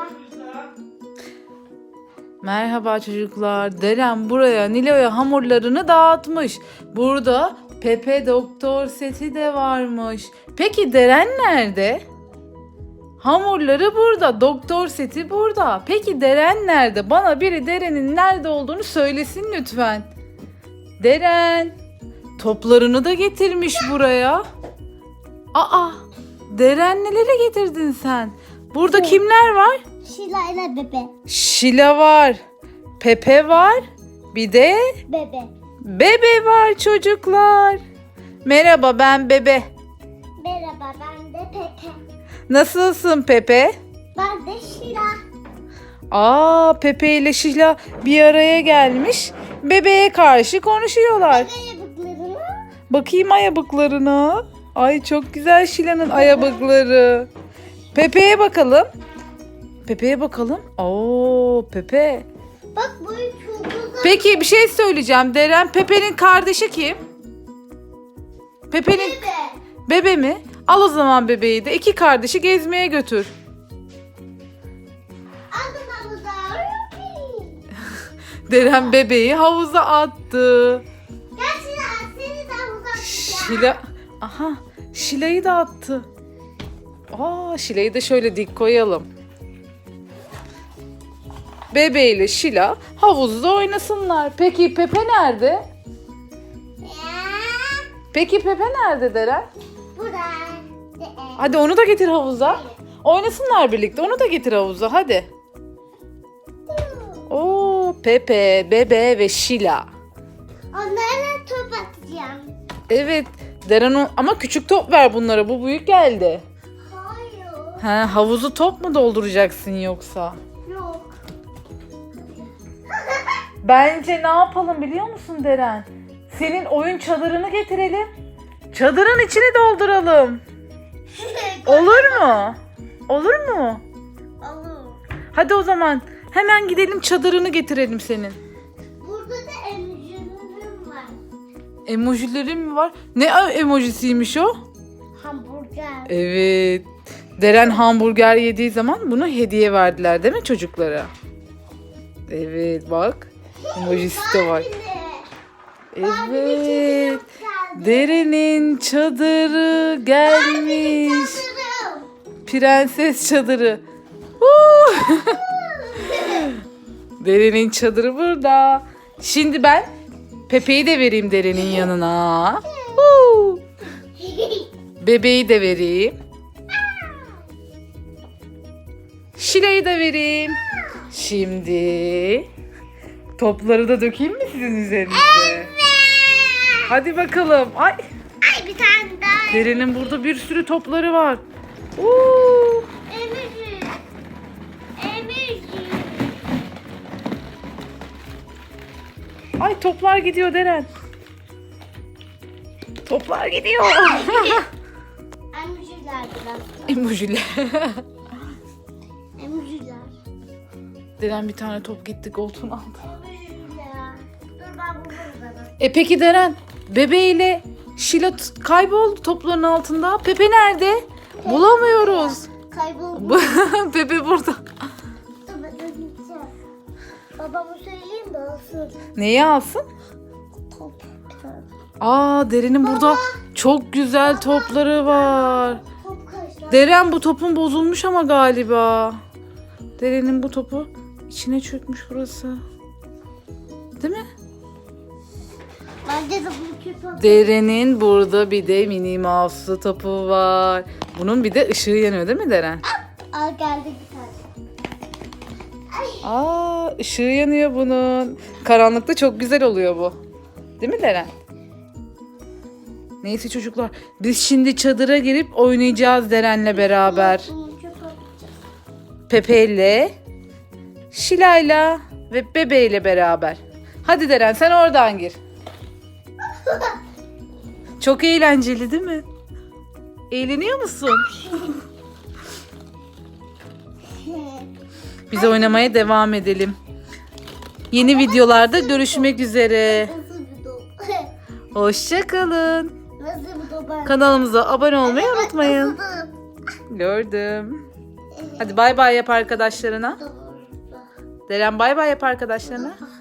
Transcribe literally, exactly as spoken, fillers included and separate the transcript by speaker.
Speaker 1: Merhaba çocuklar. Deren buraya Nilo'ya hamurlarını dağıtmış. Burada Pepe doktor seti de varmış. Peki Deren nerede? Hamurları burada. Doktor seti burada. Peki Deren nerede? Bana biri Deren'in nerede olduğunu söylesin lütfen. Deren. Toplarını da getirmiş buraya. Aa, Deren nelere getirdin sen? Burada kimler var?
Speaker 2: Şila ile bebe.
Speaker 1: Şila var. Pepe var. Bir de
Speaker 2: Bebe.
Speaker 1: Bebe var çocuklar. Merhaba, ben Bebe.
Speaker 2: Merhaba, ben de Pepe.
Speaker 1: Nasılsın Pepe?
Speaker 2: Ben de Şila.
Speaker 1: Aa, Pepe ile Şila bir araya gelmiş. Bebeğe karşı konuşuyorlar.
Speaker 2: Ayabıklarını.
Speaker 1: Bakayım ayabıklarına. Ay çok güzel Şila'nın ayabıkları. Pepe'ye bakalım. Pepe'ye bakalım. Oo, Pepe.
Speaker 2: Bak bu çok güzel.
Speaker 1: Peki bir şey söyleyeceğim. Deren, Pepe'nin kardeşi kim? Pepe'nin
Speaker 2: Bebe.
Speaker 1: bebe mi? Al o zaman bebeği de. İki kardeşi gezmeye götür.
Speaker 2: Aldım havuza.
Speaker 1: Deren bebeği havuza attı.
Speaker 2: Gel Şila, seni de havuza atacağım.
Speaker 1: Şila, aha, Şila'yı da attı. Aa, Şila'yı da şöyle dik koyalım. Bebe ile Şila havuzda oynasınlar. Peki Pepe nerede?
Speaker 2: Ya,
Speaker 1: Peki Pepe nerede Deren?
Speaker 2: burada.
Speaker 1: Hadi onu da getir havuza. Oynasınlar birlikte. Onu da getir havuza hadi. Oo, Pepe, Bebe ve Şila.
Speaker 2: Onlarla top atacağım.
Speaker 1: Evet. Deren o- ama küçük top ver bunlara. Bu büyük geldi.
Speaker 2: Hayır.
Speaker 1: Ha, havuzu top mu dolduracaksın yoksa?
Speaker 2: Yok.
Speaker 1: Bence ne yapalım biliyor musun Deren? Senin oyun çadırını getirelim. Çadırın içini dolduralım. Olur mu? Olur mu?
Speaker 2: Olur.
Speaker 1: Hadi o zaman hemen gidelim çadırını getirelim senin.
Speaker 2: Burada da emziğim var.
Speaker 1: Emojilerin mi var? Ne emojisiymiş o?
Speaker 2: Hamburger.
Speaker 1: Evet. Deren hamburger yediği zaman bunu hediye verdiler değil mi çocuklara? Evet bak. Emojisi de var. Evet. Deren'in çadırı gelmiş. Prenses çadırı. Huu! Deren'in çadırı burada. Şimdi ben Pepe'yi de vereyim Deren'in yanına. Huu! Bebeği de vereyim. Şila'yı da vereyim. Şimdi topları da dökeyim mi sizin üzerinize? Hadi bakalım. Ay,
Speaker 2: Ay bir tane daha.
Speaker 1: Deren'in burada bir sürü topları var. Oo!
Speaker 2: Emir. Emir.
Speaker 1: Ay toplar gidiyor Deren. Toplar gidiyor.
Speaker 2: Emirciler biraz.
Speaker 1: Emojiler.
Speaker 2: Emirciler.
Speaker 1: Deren bir tane top gitti koltuğun altına.
Speaker 2: Emirciler. Dur ben bulurum sana.
Speaker 1: E peki Deren, bebeğiyle Şila t- kayboldu topların altında. Pepe nerede? Bulamıyoruz.
Speaker 2: Kayboldu.
Speaker 1: Pepe burada.
Speaker 2: Dur ben gideceğim. Babama söyleyeyim de alsın.
Speaker 1: Neyi alsın?
Speaker 2: Top bir tane.
Speaker 1: Aa, Deren'in burada çok güzel topları var.
Speaker 2: Top kaçlar.
Speaker 1: Deren bu topun bozulmuş ama galiba. Deren'in bu topu içine çökmüş burası. Değil mi?
Speaker 2: Bence de bunu kötü atayım.
Speaker 1: Deren'in burada bir de Minnie Mouse'lu topu var. Bunun bir de ışığı yanıyor değil mi Deren?
Speaker 2: Aa geldi bir tane.
Speaker 1: Aa, ışığı yanıyor bunun. Karanlıkta çok güzel oluyor bu. Değil mi Deren? Neyse çocuklar, biz şimdi çadıra girip oynayacağız Deren'le beraber.
Speaker 2: Bunu çöpe atacağız.
Speaker 1: Pepe'yle, Şila'yla ve bebeğiyle beraber. Hadi Deren, sen oradan gir. Çok eğlenceli değil mi? Eğleniyor musun? Biz oynamaya devam edelim. Yeni videolarda görüşmek üzere.
Speaker 2: Nasıl bir top?
Speaker 1: Hoşça kalın.
Speaker 2: Nasıl bir top?
Speaker 1: Kanalımıza abone olmayı unutmayın.
Speaker 2: Nasıl bir top?
Speaker 1: Gördüm.
Speaker 2: Evet.
Speaker 1: Hadi bay bay yap arkadaşlarına.
Speaker 2: Bu da burada.
Speaker 1: Deren bay bay yap arkadaşlarına.